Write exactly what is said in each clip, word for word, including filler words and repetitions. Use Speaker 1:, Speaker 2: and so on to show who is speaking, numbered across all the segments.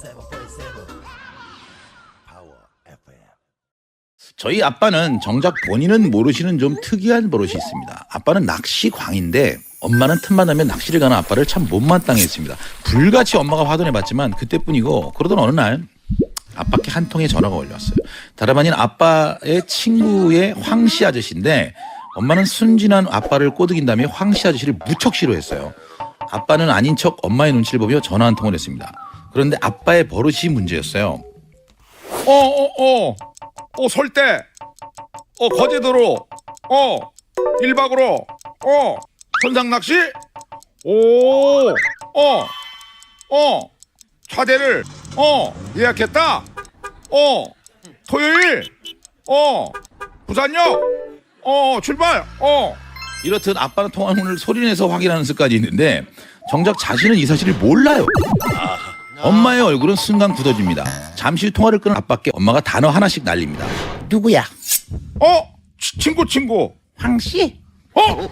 Speaker 1: 저희 아빠는 정작 본인은 모르시는 좀 특이한 버릇이 있습니다. 아빠는 낚시광인데 엄마는 틈만 나면 낚시를 가는 아빠를 참 못마땅해 했습니다. 불같이 엄마가 화돈해봤지만 그때뿐이고, 그러던 어느 날 아빠께 한 통의 전화가 걸려왔어요. 다름 아닌 아빠의 친구의 황씨 아저씨인데 엄마는 순진한 아빠를 꼬드긴다며 황씨 아저씨를 무척 싫어했어요. 아빠는 아닌 척 엄마의 눈치를 보며 전화 한 통을 했습니다. 그런데 아빠의 버릇이 문제였어요.
Speaker 2: 어어어 어 설대 어 거제도로 어 일 박으로 어 선상낚시 오어어 어, 차대를 어 예약했다 어 토요일 어 부산역 어 출발 어
Speaker 1: 이렇듯 아빠는 통화문을 소리내서 확인하는 습관이 있는데 정작 자신은 이 사실을 몰라요. 엄마의 얼굴은 순간 굳어집니다. 잠시 후 통화를 끊은 아빠께 엄마가 단어 하나씩 날립니다. 누구야?
Speaker 2: 어 치- 친구 친구
Speaker 1: 황씨?
Speaker 2: 어? 어?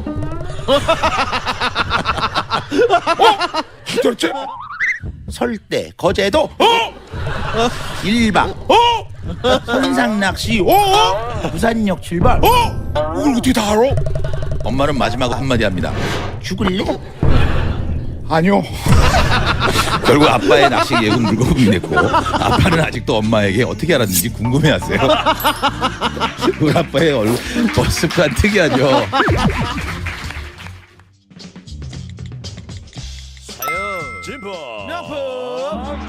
Speaker 2: 도대체
Speaker 1: 설대, 거제도,
Speaker 2: 어?
Speaker 1: 일 박,
Speaker 2: 어?
Speaker 1: 선상낚시,
Speaker 2: 어?
Speaker 1: 부산역 출발.
Speaker 2: 어? 이걸 어떻게 다 알아?
Speaker 1: 엄마는 마지막으로 한마디 합니다. 죽을래?
Speaker 2: 아니요.
Speaker 1: 결국 아빠의 낚시 계획은 물거품이 됐고 아빠는 아직도 엄마에게 어떻게 알았는지 궁금해하세요. 우리 아빠의 얼굴 습관 특이하죠.
Speaker 3: 진보 명품